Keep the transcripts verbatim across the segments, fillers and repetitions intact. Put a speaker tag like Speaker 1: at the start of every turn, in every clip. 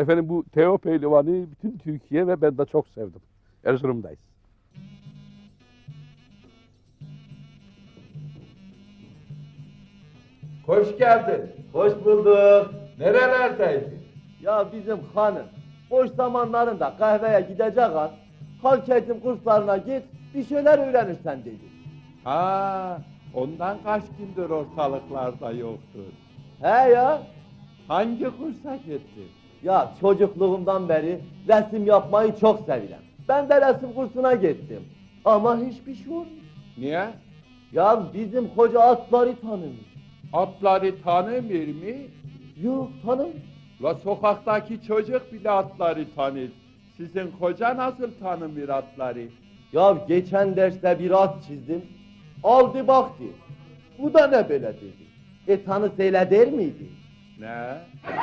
Speaker 1: Efendim bu Teo Pehlivan'ı bütün Türkiye ve ben de çok sevdim. Erzurum'dayız.
Speaker 2: Hoş geldin.
Speaker 3: Hoş bulduk.
Speaker 2: Nerelerdeydin?
Speaker 3: Ya bizim hanım boş zamanlarında kahveye gidecek an halk eğitim kurslarına git bir şeyler öğrenirsen dedi.
Speaker 2: Ha, ondan kaç gündür ortalıklarda yoktur.
Speaker 3: He ya.
Speaker 2: Hangi kursa gittin?
Speaker 3: Ya çocukluğumdan beri resim yapmayı çok seviyorum. Ben de resim kursuna gittim. Ama hiçbir şey olmuyor.
Speaker 2: Niye?
Speaker 3: Ya bizim hoca atları tanımış.
Speaker 2: Atları tanımıyor mu?
Speaker 3: Yok tanımıyor.
Speaker 2: La sokaktaki çocuk bile atları tanır. Sizin koca nasıl tanımıyor atları?
Speaker 3: Ya geçen derste bir at çizdim. Aldı baktı. Bu da ne böyle dedi. E tanısıyla der miydi?
Speaker 2: Ne?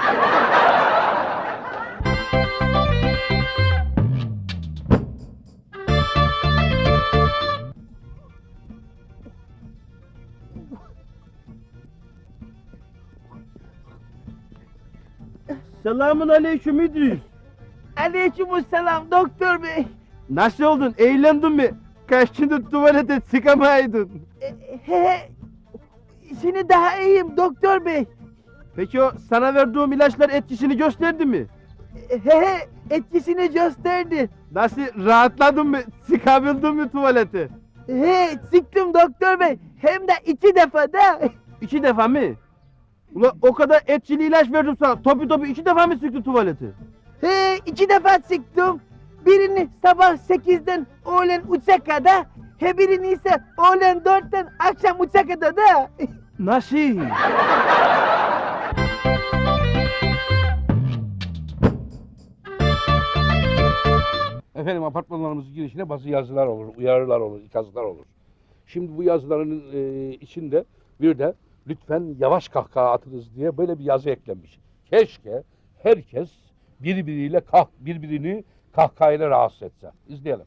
Speaker 4: Selamun aleyküm İdris.
Speaker 5: Aleykümselam doktor bey.
Speaker 4: Nasıl oldun? Eğlendin mi? Kaç gündür tuvalete çıkamaydın.
Speaker 5: E, he, şimdi daha iyiyim doktor bey.
Speaker 4: Peki o sana verdiğim ilaçlar etkisini gösterdi mi?
Speaker 5: E, He he, etkisini gösterdi.
Speaker 4: Nasıl rahatladın mı? Çıkabildin mi tuvalete?
Speaker 5: He, çıktım doktor bey. Hem de iki defa da.
Speaker 4: İki defa mı? Ula o kadar etkili ilaç verdim sana. Topu topu iki defa mı çıktı tuvalete?
Speaker 5: He, iki defa çıktım. Birini sabah sekizden öğlen üçe kadar. He birini ise öğlen dörtten akşam üçe kadar da.
Speaker 4: Nasıl?
Speaker 1: Efendim apartmanlarımızın girişine bazı yazılar olur, uyarılar olur, ikazlar olur. Şimdi bu yazıların e, içinde bir de lütfen yavaş kahkaha atınız diye böyle bir yazı eklenmiş. Keşke herkes birbiriyle kah birbirini kahkahayla rahatsız etse. İzleyelim.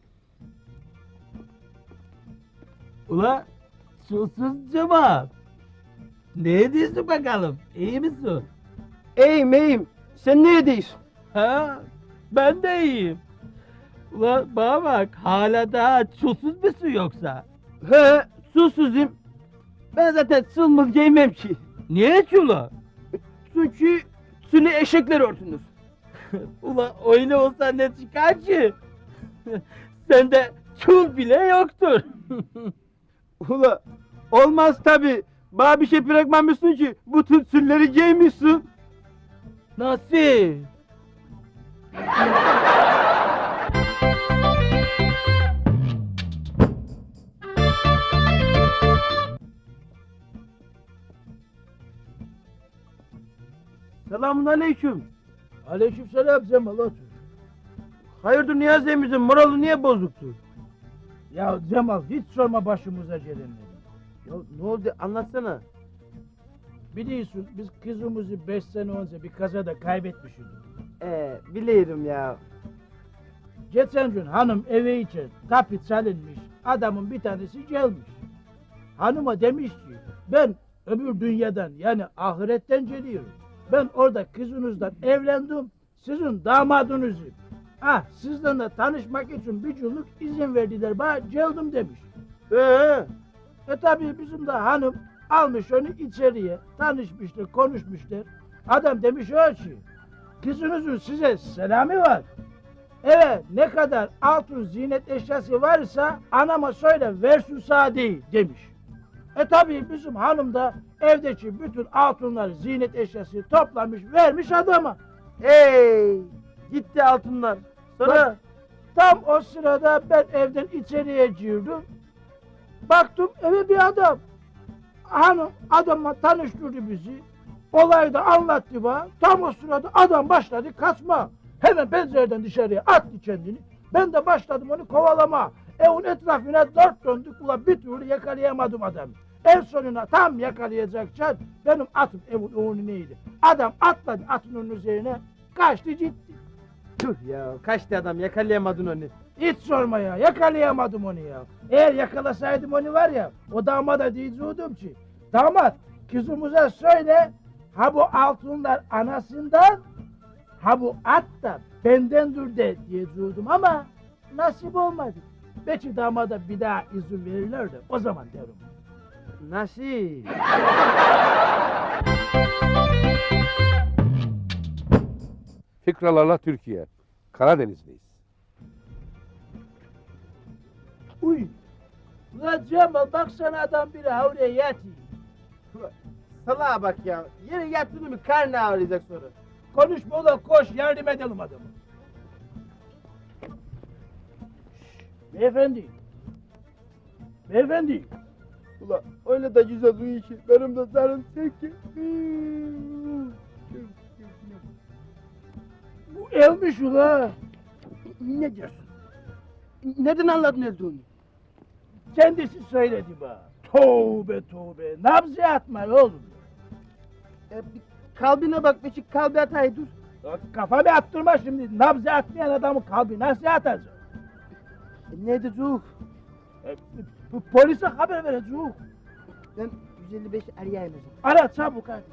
Speaker 6: Ula susuz cevap. Ne diyorsun bakalım? İyi misin?
Speaker 4: İyiyim iyiyim. Sen ne ediyorsun?
Speaker 6: Ha? Ben de iyiyim. Ula bana bak hala daha susuz musun yoksa?
Speaker 4: He susuzum. Ben zaten sılmız giymem ki.
Speaker 6: Niye ki ula?
Speaker 4: Çünkü sünni eşekler örtünür.
Speaker 6: Ula öyle olsa ne çıkar ki? Sende çul bile yoktur.
Speaker 4: Ula olmaz tabi. Bana bir şey bırakmamışsın ki bütün sünleri giymişsin.
Speaker 6: Nasıl?
Speaker 4: Selamun aleyküm.
Speaker 6: Aleykümselam Cemal otur.
Speaker 4: Hayırdır Niyazi emimizin moralı niye bozuktu?
Speaker 6: Ya Cemal hiç sorma başımıza gelenleri.
Speaker 4: Ya ne oldu anlatsana.
Speaker 6: Biliyorsun biz kızımızı beş sene önce bir kazada kaybetmişiz.
Speaker 4: Ee biliyorum ya.
Speaker 6: Geçen gün hanım eve için kapı çalınmış, adamın bir tanesi gelmiş. Hanıma demiş ki, ben öbür dünyadan yani ahiretten geliyorum. Ben orada kızınızdan evlendim, sizin damadınızım. Ah, sizden tanışmak için bir günlük izin verdiler bana, geldim demiş.
Speaker 4: Ee,
Speaker 6: E tabi bizim de hanım almış onu içeriye, tanışmışlar, konuşmuşlar. Adam demiş öyle ki, kızınızın size selamı var. Evet, ne kadar altın ziynet eşyası varsa anama söyle versin sadi demiş. E tabi bizim hanım da evdeki bütün altınlar ziynet eşyası toplamış vermiş adama.
Speaker 4: hey gitti altınlar. Sonra
Speaker 6: Bak, tam o sırada ben evden içeriye girdim. Baktım eve bir adam. Hanım adamla tanıştırdı bizi. Olayı da anlattı bana. Tam o sırada adam başladı kaçma. Hemen pencereden dışarıya attı kendini. Ben de başladım onu kovalama. Evin etrafına dört döndük. Ulan bir türlü yakalayamadım adamı. En sonuna tam yakalayacakken benim atım evin önüneydi. Adam atladı atının üzerine kaçtı gitti.
Speaker 4: tüh ya kaçtı adam yakalayamadın onu.
Speaker 6: Hiç sorma ya, yakalayamadım onu ya. Eğer yakalasaydım onu var ya, o damada diyecektim ki, damat kızımıza söyle, ha bu altınlar anasından, Ha bu at da bendendir de diye durdum ama nasip olmadı. Belki damada bir daha izin verirler de o zaman derim.
Speaker 5: Nasıl?
Speaker 1: Fikralarla Türkiye. Karadeniz'deyiz.
Speaker 6: Uy! Ulan Cemal baksana adam biri havluya yatıyor.
Speaker 5: Salaha bak ya. Yere yattığını mı karnı ağrıyacak sonra.
Speaker 6: Konuşma ulan koş yardım edelim adamı. Beyefendi. Beyefendi.
Speaker 4: Ula öyle de güzel uyuyor ki benim de canım çekti.
Speaker 6: Bu elmiş ula.
Speaker 5: Ne diyorsun? Nereden anladın öldüğünü?
Speaker 6: Kendisi söyledi bana. Tövbe tövbe. Nabzı atma oğlum.
Speaker 5: E, bir kalbine bak be, şu kalbi atayı dur.
Speaker 6: Ya Kafamı attırma şimdi. Nabzı atmayan adamın kalbi nasıl atacak?
Speaker 5: E, ne diyecek?
Speaker 6: E, bu polise haber vereceğim.
Speaker 5: Ben yüz elli beş arayayım o zaman.
Speaker 6: Ara çabuk hadi.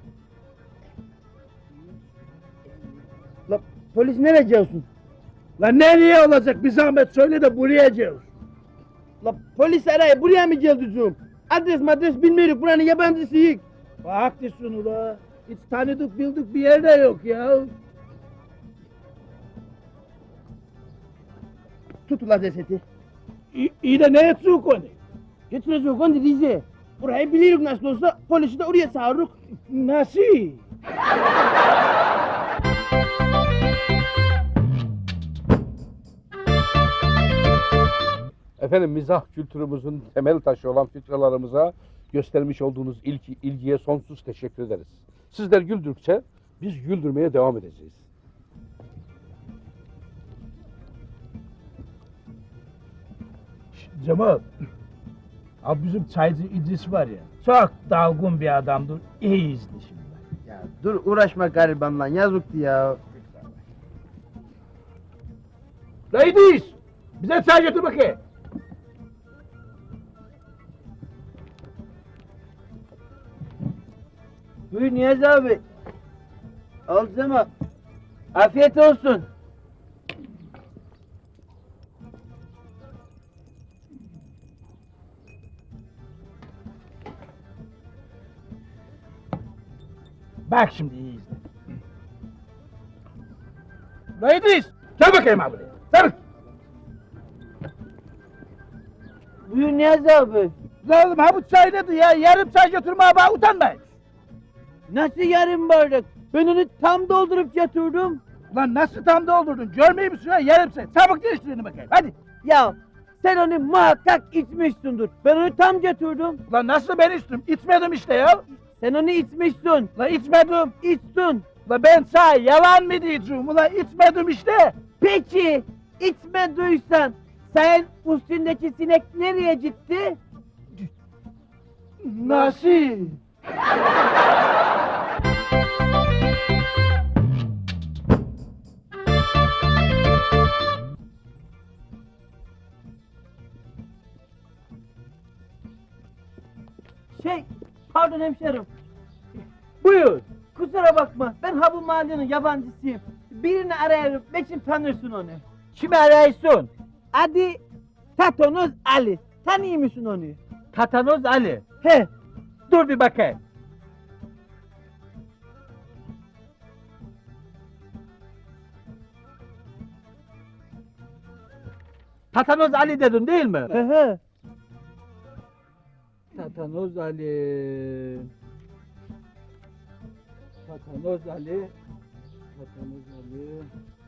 Speaker 5: La polis nereye gidiyorsun?
Speaker 6: Lan nereye olacak bir zahmet söyle de buraya gel.
Speaker 5: La polis arayı buraya mı geldin? Adres madres bilmiyoruz, buranın yabancısıyız.
Speaker 6: Haklısın ula. Hiç tanıdık bildik bir yerde yok ya.
Speaker 5: Tut ula cesedi.
Speaker 6: İyi, iyi de ne edecek onu?
Speaker 5: Götürecek onu Rize. Burayı biliyoruz nasıl olsa, polisi de oraya çağırırız.
Speaker 6: Nasıl?
Speaker 1: Efendim mizah kültürümüzün temel taşı olan fikralarımıza göstermiş olduğunuz ilgi, ilgiye sonsuz teşekkür ederiz. Sizler güldükçe biz güldürmeye devam edeceğiz.
Speaker 6: Cemal. Abi bizim çaycı İdris var ya. Çok dalgın bir adamdır. İyi izle şimdi.
Speaker 5: Ya dur uğraşma garibanla, yazıktı ya.
Speaker 6: La İdris! Bize çay getir bakayım.
Speaker 5: Buyur Niyazi abi. Al Cemal. Afiyet olsun.
Speaker 6: Bak şimdi iyi izle. La İdris! Gel bakayım abi. Çabuk!
Speaker 5: Buyur Niyazi abi.
Speaker 6: La oğlum ha bu çay nedir ya? Yarım çay götürmeye bana utanmayın.
Speaker 5: Nasıl yarım bardak? Ben onu tam doldurup getirdim.
Speaker 6: Lan nasıl tam doldurdun? Görmeyeyim misin ya? Yarım çay. Çabuk değiştirin bakayım. Hadi.
Speaker 5: Ya sen onu muhakkak içmişsindir. Ben onu tam getirdim.
Speaker 6: Lan nasıl ben içtim? İçmedim işte ya.
Speaker 5: Sen onu içmişsin.
Speaker 6: La içmedim.
Speaker 5: İçtin.
Speaker 6: La ben çay yalan mı diyeceğim? Ulan içmedim işte.
Speaker 5: Peki içmediysen sen üstündeki sinek nereye gitti?
Speaker 6: Nasıl?
Speaker 5: Şey, pardon hemşerim.
Speaker 6: Buyur.
Speaker 5: Kusura bakma, ben ha bu mahallenin yabancısıyım. Birini arayarım, belki tanırsın onu.
Speaker 6: Kimi arıyorsun?
Speaker 5: Adı Tatanoz Ali. Tanıyor musun onu?
Speaker 6: Tatanoz Ali.
Speaker 5: He,
Speaker 6: Dur bir bakayım. Tatanoz Ali dedin değil mi?
Speaker 5: he he.
Speaker 6: Tatanoz Ali. Tatanoz Ali. Tatanoz Ali.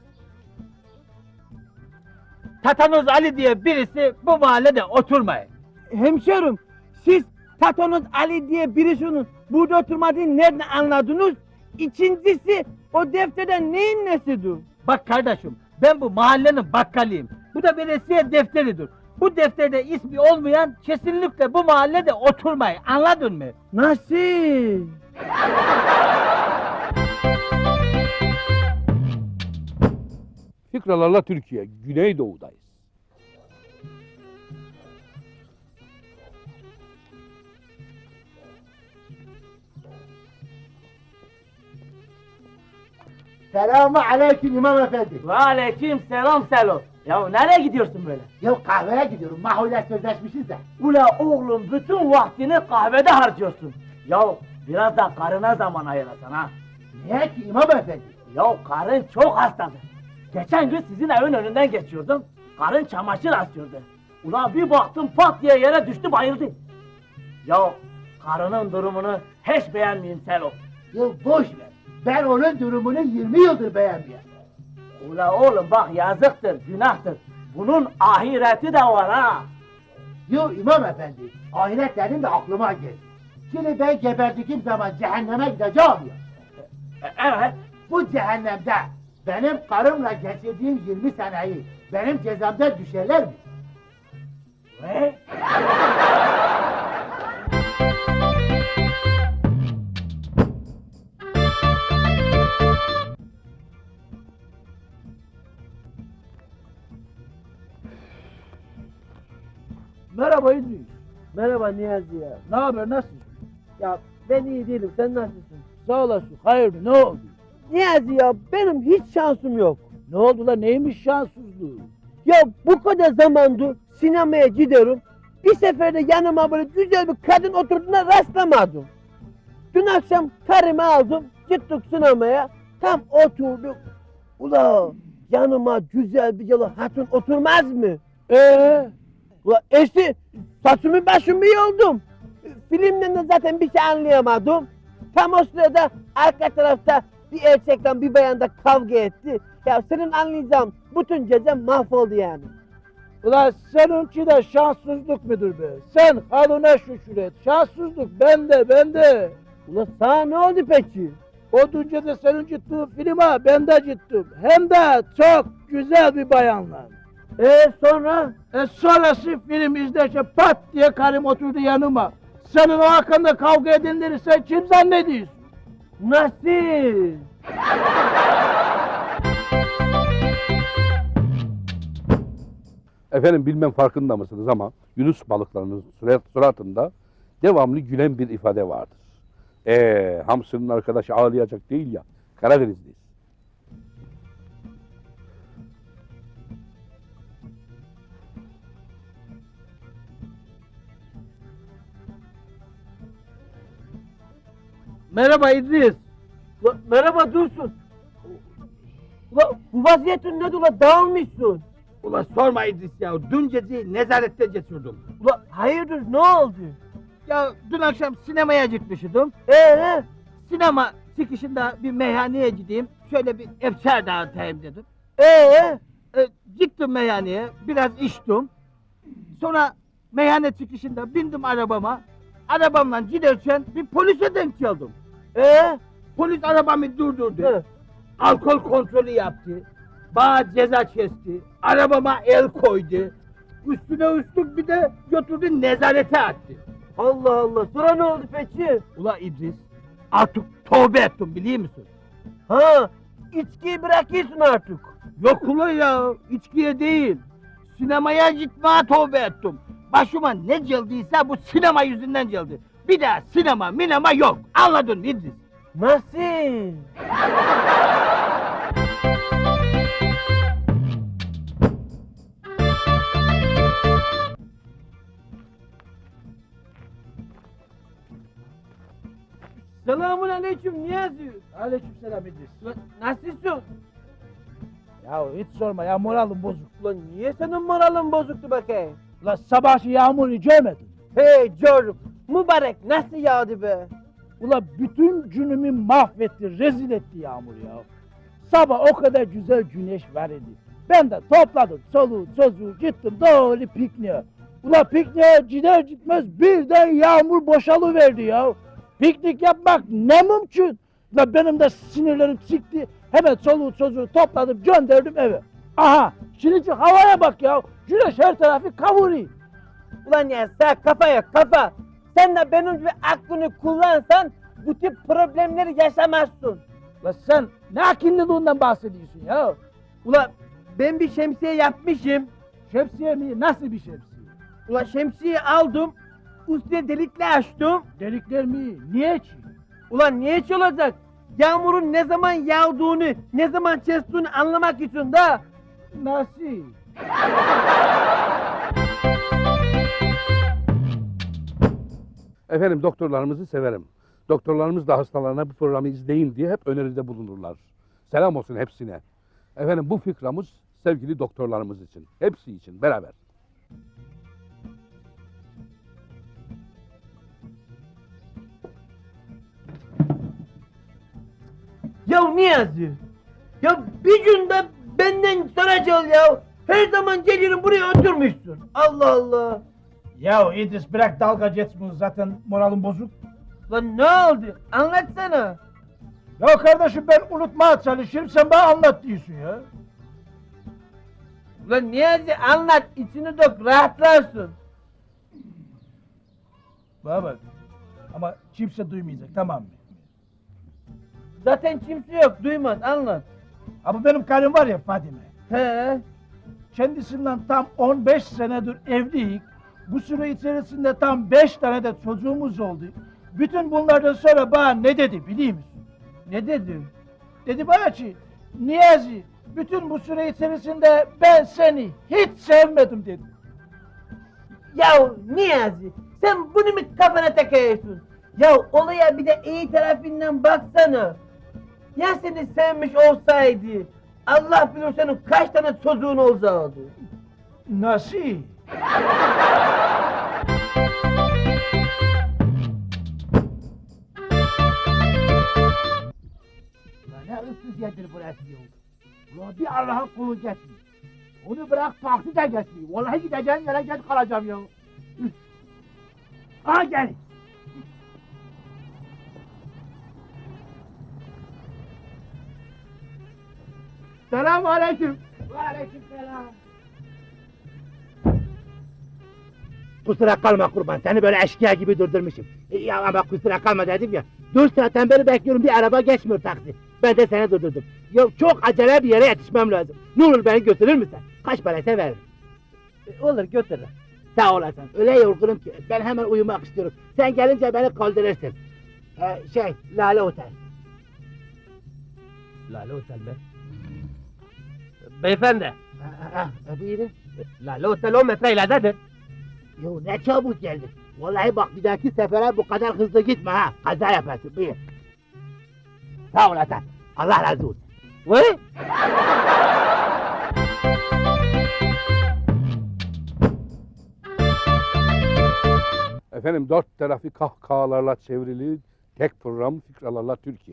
Speaker 6: Tatanoz Ali diye birisi bu mahallede oturmayın.
Speaker 5: Hemşerim, siz Tatanoz Ali diye birisinin burada oturmadığını nereden anladınız? İkincisi, o defterden neyin nesidir?
Speaker 6: Bak kardeşim, ben bu mahallenin bakkalıyım. Bu da veresiye defteridir. Bu defterde ismi olmayan kesinlikle bu mahallede oturmayın. Anladın mı?
Speaker 5: Nasıl?
Speaker 1: Fikralarla Türkiye, Güneydoğu'dayız.
Speaker 7: Selamun aleyküm İmam Efendi.
Speaker 5: Ve aleyküm selam Selo. Ya nereye gidiyorsun böyle?
Speaker 7: Ya kahveye gidiyorum. Mahule sözleşmişiz de.
Speaker 5: Ula oğlum bütün vaktini kahvede harcıyorsun. Ya biraz da karına zaman ayırasın ha.
Speaker 7: Niye ki İmam Efendi?
Speaker 5: Ya karın çok hastadır. Geçen gün sizin evin önünden geçiyordum. Karın çamaşır asıyordu. Ulan bir baktım pat diye yere düştü bayıldı. Ya karının durumunu hiç beğenmeyeyim Selo.
Speaker 7: Ya boş ver. Ben onun durumunu yirmi yıldır beğenmiyorum.
Speaker 5: Ula oğlum bak yazıktır, günahtır. Bunun ahireti de var ha.
Speaker 7: Yo İmam Efendi, ahiret dedim de aklıma geldi. Şimdi ben geberdiğim zaman cehenneme gideceğim ya.
Speaker 5: E, evet.
Speaker 7: Bu cehennemde benim karımla geçirdiğim yirmi seneyi benim cezamda düşerler mi?
Speaker 5: Ve?
Speaker 6: Merhaba İdris.
Speaker 5: Merhaba Niyazi ya.
Speaker 6: Ne haber, nasılsın?
Speaker 5: Ya ben iyi değilim, sen nasılsın?
Speaker 6: Sağ olasın, hayırdır, ne oldu?
Speaker 5: Niyazi ya benim hiç şansım yok.
Speaker 6: Ne oldu lan, neymiş şanssızlığı?
Speaker 5: Ya bu kadar zamandır sinemaya gidiyorum. Bir seferde yanıma böyle güzel bir kadın oturduğuna rastlamadım. Dün akşam karımı aldım, gittik sinemaya. Tam oturduk. Ula yanıma güzel bir yalı hatun oturmaz mı?
Speaker 6: Ee,
Speaker 5: Ula işte saçımı başımı yoldum. Filmden de zaten bir şey anlayamadım. Tam o sırada arka tarafta bir erkekle bir bayan da kavga etti. Ya senin anlayacağın bütün gece mahvoldu yani.
Speaker 6: ulan seninki de şanssızlık mıdır be? Sen halına şükür et, şanssızlık bende, bende.
Speaker 5: Ula sana ne oldu peki?
Speaker 6: O dün gece senin gittiğin filme ben de gittim. Hem de çok güzel bir bayanla.
Speaker 5: Ee sonra?
Speaker 6: E sonrası film izlerken pat diye karım oturdu yanıma. Senin o hakkında kavga edenleri sen kim zannediyorsun?
Speaker 5: Nasıl?
Speaker 1: Efendim bilmem farkında mısınız ama Yunus balıklarının surat, suratında devamlı gülen bir ifade vardır. Eee hamsının arkadaşı ağlayacak değil ya, Karadenizliyiz.
Speaker 6: Merhaba İdris.
Speaker 5: Ula, merhaba Dursun. Ula bu vaziyetin nedir ula dağılmışsın?
Speaker 6: Ula sorma İdris ya, dün gece nezarette geçirdim.
Speaker 5: Ula hayırdır ne oldu?
Speaker 6: Ya dün akşam sinemaya gitmiştim.
Speaker 5: Ee?
Speaker 6: Sinema çıkışında bir meyhaneye gideyim, şöyle bir efkar dağıtayım dedim.
Speaker 5: Ee?
Speaker 6: E, gittim meyhaneye, biraz içtim. Sonra meyhane çıkışında bindim arabama. Arabamla giderken bir polise denk geldim.
Speaker 5: Ee?
Speaker 6: Polis arabamı durdurdu.
Speaker 5: Hı.
Speaker 6: Alkol kontrolü yaptı. Bana ceza kesti. Arabama el koydu. Üstüne üstlük bir de götürdü nezarete attı.
Speaker 5: Allah Allah sonra ne oldu peki?
Speaker 6: Ula İdris, artık tövbe ettim biliyor musun?
Speaker 5: Ha içkiyi bırakıyorsun artık.
Speaker 6: Yok ula ya, içkiye değil. Sinemaya gitmeye tövbe ettim. Başıma ne geldiyse bu sinema yüzünden geldi. Bir daha sinema minema yok. Anladın mı İdris?
Speaker 5: Nasıl? Selamun aleyküm Niyazi.
Speaker 6: Aleykümselam İdris.
Speaker 5: Ulan nasılsın?
Speaker 6: Ya hiç sorma ya, moralim bozuk.
Speaker 5: Ulan niye senin moralin bozuktu bakayım?
Speaker 6: Ulan sabahki yağmuru görmedin.
Speaker 5: Hey George, mübarek nasıl yağdı be?
Speaker 6: Ulan bütün günümü mahvetti, rezil etti yağmur ya. Sabah o kadar güzel güneş var idi. Ben de topladım çoluğu çocuğu gittim doğru pikniğe. Ulan pikniğe gider gitmez birden yağmur boşalıverdi ya. Piknik yapmak ne mümkün. Ulan benim de sinirlerim çıktı. Hemen çoluğu çocuğu topladım gönderdim eve. Aha şimdi şu havaya bak ya. Güneş her tarafı kavuruyor.
Speaker 5: Ulan ya sen kafa yok kafa. Sen de benim gibi aklını kullansan bu tip problemleri yaşamazsın.
Speaker 6: Ulan sen ne akıllılığından bahsediyorsun ya?
Speaker 5: Ulan ben bir şemsiye yapmışım.
Speaker 6: Şemsiye mi? Nasıl bir şemsiye?
Speaker 5: Ulan şemsiyeyi aldım. Üstüne delikle açtım.
Speaker 6: Delikler mi? Niye ki?
Speaker 5: Ulan niye hiç olacak? yağmurun ne zaman yağdığını, ne zaman kestiğini anlamak için de.
Speaker 6: Nasıl?
Speaker 1: Efendim doktorlarımızı severim. Doktorlarımız da hastalarına bu programı izleyin diye hep öneride bulunurlar. Selam olsun hepsine. Efendim bu fikramız sevgili doktorlarımız için. Hepsi için beraber.
Speaker 5: Ya Niyazi, ya bir günde benden soracağız ya. Her zaman gelirim buraya oturmuşsun. Allah Allah.
Speaker 6: Ya İdris bırak dalga geçmeyi, zaten moralim bozuk.
Speaker 5: Lan ne oldu? Anlatsana.
Speaker 6: Ya kardeşim ben unutmaya çalışıyorum, sen bana anlat diyorsun ya.
Speaker 5: Lan Niyazi anlat, içini dök, rahatlarsın.
Speaker 6: Bana bak. Ama kimse duymayacak, tamam mı?
Speaker 5: Zaten kimse yok, duymaz, anlat.
Speaker 6: Ama benim karım var ya Fadime.
Speaker 5: He.
Speaker 6: Kendisinden tam on beş senedir evliyiz. Bu süre içerisinde tam beş tane de çocuğumuz oldu. Bütün bunlardan sonra bana ne dedi biliyor musun?
Speaker 5: Ne dedin?
Speaker 6: Dedi bana ki, Niyazi, bütün bu süre içerisinde ben seni hiç sevmedim dedi.
Speaker 5: Ya Niyazi, sen bunu mu kafana takıyorsun? Ya olaya bir de iyi tarafından baksana. Ya seni sevmiş olsaydı, Allah bilir senin kaç tane çocuğun olacaktı.
Speaker 6: Nasıl?
Speaker 7: Ya ne ıssız yerdir burası ya. Ulan bir Allah'ın kulu geçmiyor. Onu bırak taksi de geçmiyor. Vallahi gideceğim yere geç kalacağım ya. Üf. Aha gel. Selamun aleyküm. Ve aleyküm selam. Kusura kalma kurban, seni böyle eşkıya gibi durdurmuşum. E, ya ama kusura kalma dedim ya. Dört saatten beri bekliyorum, bir araba geçmiyor taksi. Ben de seni durdurdum. Ya çok acele bir yere yetişmem lazım. Ne olur beni götürür müsün? Kaç paraysa veririm.
Speaker 5: E, olur götür.
Speaker 7: Sağ olasın. Öyle yorgunum ki ben hemen uyumak istiyorum. Sen gelince beni kaldırırsın. Ee, şey, Lale Otel.
Speaker 5: Lale Otel be. Beyefendi,
Speaker 7: Ha, ha, ha, buyurun.
Speaker 5: Lale Otel on metre ileridedir.
Speaker 7: Yo ne çabuk geldin. Vallahi bak bir dahaki sefere bu kadar hızlı gitme ha. Kaza yaparsın. Buyur. Sağ olasın. Allah razı olsun.
Speaker 5: Vay!
Speaker 1: Efendim dört tarafı kahkahalarla çevrili tek program Fikralarla Türkiye.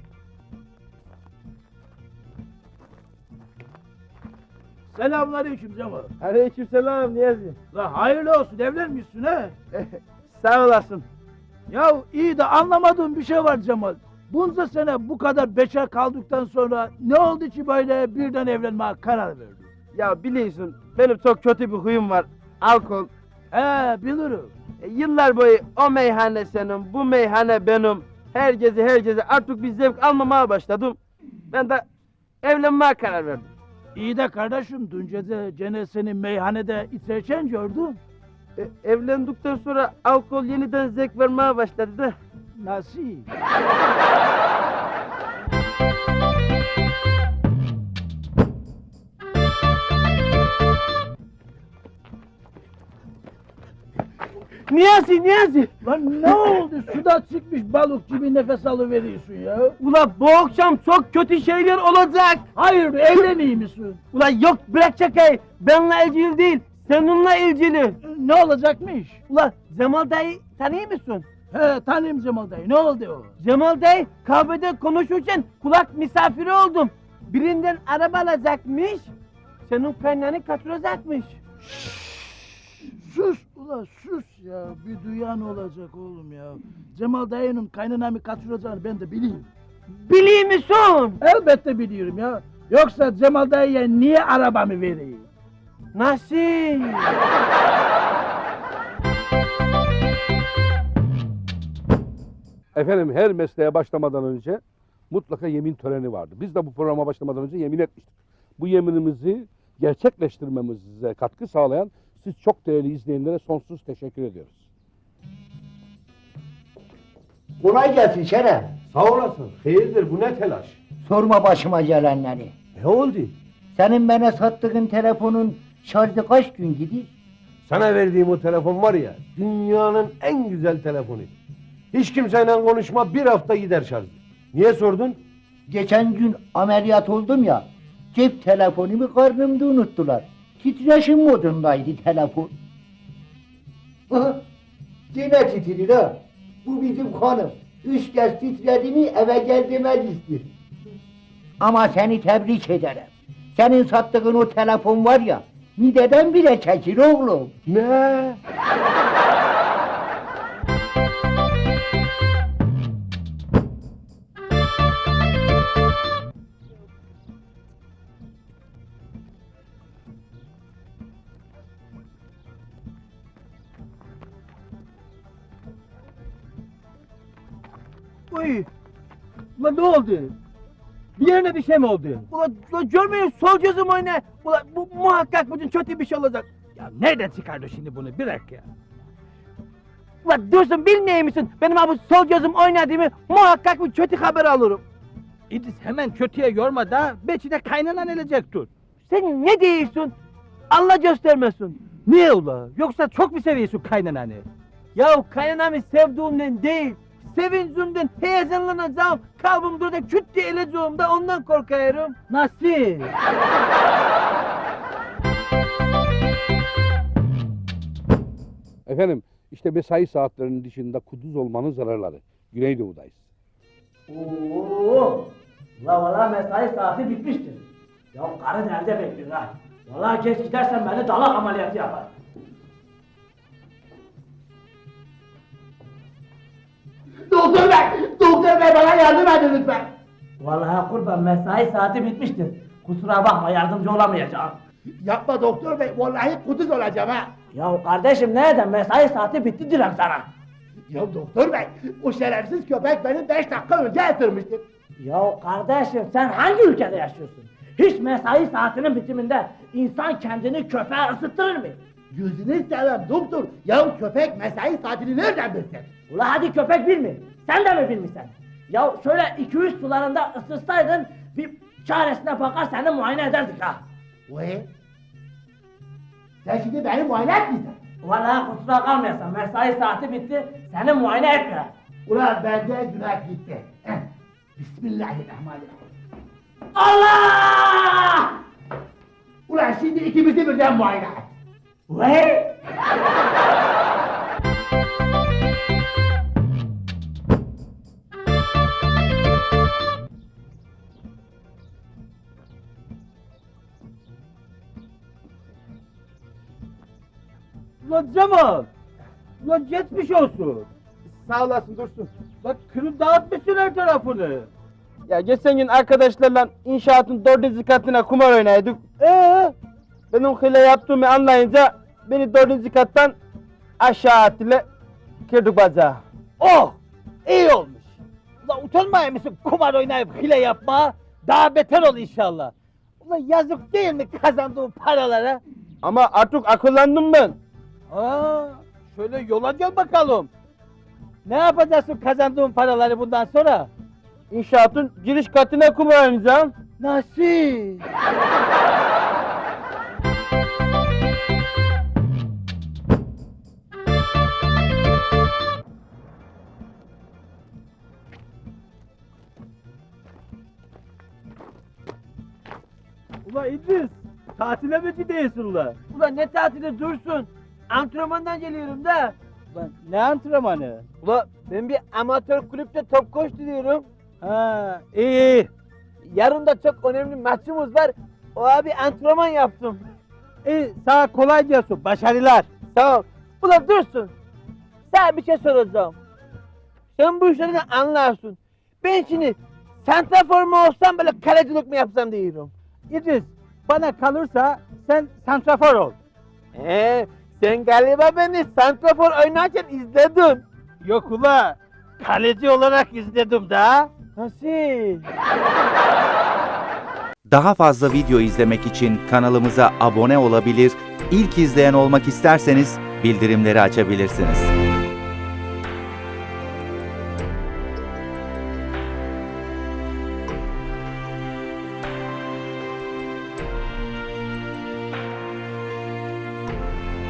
Speaker 6: Selamünaleyküm Cemal.
Speaker 5: Aleykümselam Niyazi.
Speaker 6: La hayırlı olsun, evlenmişsin he.
Speaker 5: Sağ olasın.
Speaker 6: Ya iyi de anlamadığım bir şey var Cemal. Bunca sene bu kadar bekar kaldıktan sonra ne oldu ki böyle birden evlenmeye karar verdin?
Speaker 4: Ya biliyorsun benim çok kötü bir huyum var. Alkol.
Speaker 6: He bilirim.
Speaker 4: E, yıllar boyu o meyhane senin, bu meyhane benim. Her gece her gece artık bir zevk almamaya başladım. Ben de evlenmeye karar verdim.
Speaker 6: İyi de kardeşim dün gece gene seni meyhanede içerken gördüm.
Speaker 4: E, evlendikten sonra alkol yeniden zevk vermeye başladı da.
Speaker 6: Nasıl?
Speaker 5: Niyazi, Niyazi!
Speaker 6: Lan ne oldu? Suda çıkmış balık gibi nefes alıveriyorsun ya.
Speaker 5: Ula bu akşam çok kötü şeyler olacak.
Speaker 6: Hayır evleneyim misin?
Speaker 5: Ula yok bırak şakayı. Benimle ilgili değil, seninle ilgili.
Speaker 6: Ne olacakmış?
Speaker 5: Ula Cemal dayı tanıyor musun?
Speaker 6: He tanıyım Cemal dayı, ne oldu o?
Speaker 5: Cemal dayı kahvede konuşurken kulak misafiri oldum. Birinden araba alacakmış, senin kaynağını kaçıracakmış.
Speaker 6: Sus ula sus ya, bir duyan olacak oğlum ya. Cemal dayının kaynanamı kaçıracağını ben de bileyim.
Speaker 5: Biliyor musun?
Speaker 6: Elbette biliyorum ya. Yoksa Cemal dayıya niye arabamı vereyim?
Speaker 5: Nasıl?
Speaker 1: Efendim her mesleğe başlamadan önce mutlaka yemin töreni vardı. Biz de bu programa başlamadan önce yemin etmiştik. Bu yeminimizi gerçekleştirmemize katkı sağlayan siz çok değerli izleyenlere sonsuz teşekkür ediyoruz.
Speaker 7: Kolay gelsin Şeref.
Speaker 3: Sağ olasın. Hayırdır bu ne telaş?
Speaker 7: Sorma başıma gelenleri.
Speaker 3: Ne oldu?
Speaker 7: Senin bana sattığın telefonun şarjı kaç gün gidiyor?
Speaker 3: Sana verdiğim o telefon var ya, dünyanın en güzel telefonu. Hiç kimseyle konuşma, bir hafta gider şarjı. Niye sordun?
Speaker 7: Geçen gün ameliyat oldum ya, cep telefonumu karnımda unuttular. Titreşim modundaydı telefon. Aha, yine titrir ha. Bu bizim hanım. Üç kez titredi mi eve gel demez istiyor. Ama seni tebrik ederim. Senin sattığın o telefon var ya, mideden bile çekir oğlum.
Speaker 3: Ne?
Speaker 5: Uy! Ulan ne oldu? Bir yerine bir şey mi oldu? Ulan, ulan görmüyor musun? Sol gözüm oyna. Ulan bu muhakkak bugün kötü bir şey olacak. Ya nereden çıkardı şimdi bunu? Bir dakika ya. Ulan Dursun bilmiyor musun? Benim abi sol gözüm oynadığımı muhakkak bir kötü haber alırım.
Speaker 4: İdris hemen kötüye yorma da belki de kaynanan elecek dur.
Speaker 5: Sen ne diyorsun? Allah göstermesin.
Speaker 4: Niye ula? Yoksa çok mu seviyorsun kaynananı?
Speaker 5: Ya kaynanamı sevdiğimden değil, sevincimden heyecanlanacağım. Kalbim durda küt diye eleceğim de ondan korkuyorum.
Speaker 4: Nasıl?
Speaker 1: Efendim işte mesai saatlerinin dışında kuduz olmanın zararları. Güneydoğu'dayız.
Speaker 8: Oo, la valla mesai saati bitmiştir. Ya karın evde bekliyor ha. Valla geç gidersen beni dalak ameliyatı yapar.
Speaker 7: Doktor bey, doktor bey bana yardım edin lütfen.
Speaker 8: Vallahi kurban mesai saati bitmiştir. Kusura bakma yardımcı olamayacağım.
Speaker 7: Yapma doktor bey, vallahi kuduz olacağım ha.
Speaker 8: Ya kardeşim nereden mesai saati bitti diyorum sana.
Speaker 7: Ya doktor bey, o şerefsiz köpek beni beş dakika önce ısırmıştı.
Speaker 8: Ya kardeşim sen hangi ülkede yaşıyorsun? Hiç mesai saatinin bitiminde insan kendini köpeğe ısıttırır mı?
Speaker 7: Gözünü seveyim doktor, ya köpek mesai saatini nereden bilsin?
Speaker 8: Ula hadi köpek bilmiyor. Sen de mi bilmişsin? Ya şöyle iki üç sularında ısırsaydın bir çaresine bakar seni muayene ederdik ha.
Speaker 7: Vay! Sen şimdi beni muayene etmeyeceksin.
Speaker 8: Valla kusura kalmayasın mesai saati bitti seni muayene etmiyor.
Speaker 7: Ulan bende günah gitti. Eh, Bismillahirrahmanirrahim.
Speaker 8: Allah!
Speaker 7: Ulan şimdi ikimizi birden muayene et.
Speaker 8: Vay!
Speaker 5: Ulan Cemal! Ulan geçmiş olsun.
Speaker 4: Sağ olasın Dursun.
Speaker 5: Bak kırıp dağıtmışsın her tarafını.
Speaker 4: Ya geçen gün arkadaşlarla inşaatın dördüncü katına kumar oynaydık. Ee, benim hile yaptığımı anlayınca beni dördüncü kattan aşağı attılar. Kırdık bacağı.
Speaker 5: Oh! İyi olmuş. Ulan utanmaya mısın kumar oynayıp hile yapma? Daha beter ol inşallah. Ulan yazık değil mi kazandığın paralara?
Speaker 4: Ama artık akıllandım ben.
Speaker 5: Aa, şöyle yola gel bakalım. Ne yapacaksın kazandığın paraları bundan sonra?
Speaker 4: İnşaatın giriş katına kumar oynayacağım.
Speaker 5: Nasıl?
Speaker 4: Ulan İdris, tatile mi gidiyorsun ulan?
Speaker 5: Ulan ne tatili Dursun? Antrenmandan geliyorum da.
Speaker 4: Ulan ne antrenmanı?
Speaker 5: Ulan ben bir amatör kulüpte top koştu diyorum.
Speaker 4: Ha, iyi iyi.
Speaker 5: Yarın da çok önemli maçımız var. O abi antrenman yaptım.
Speaker 4: İyi, sana kolay gelsin, başarılar.
Speaker 5: Sağ ol. Ulan Dursun. Sana bir şey soracağım. Sen bu işlerden anlarsın. Ben şimdi santrafor mu olsam böyle kalecilik mi yapsam diyorum.
Speaker 4: İdris, bana kalırsa sen santrafor ol.
Speaker 5: Ee, sen galiba beni santrafor oynarken izledin.
Speaker 4: Yok ula, kaleci olarak izledim da.
Speaker 5: Nasıl?
Speaker 9: Daha fazla video izlemek için kanalımıza abone olabilir, ilk izleyen olmak isterseniz bildirimleri açabilirsiniz.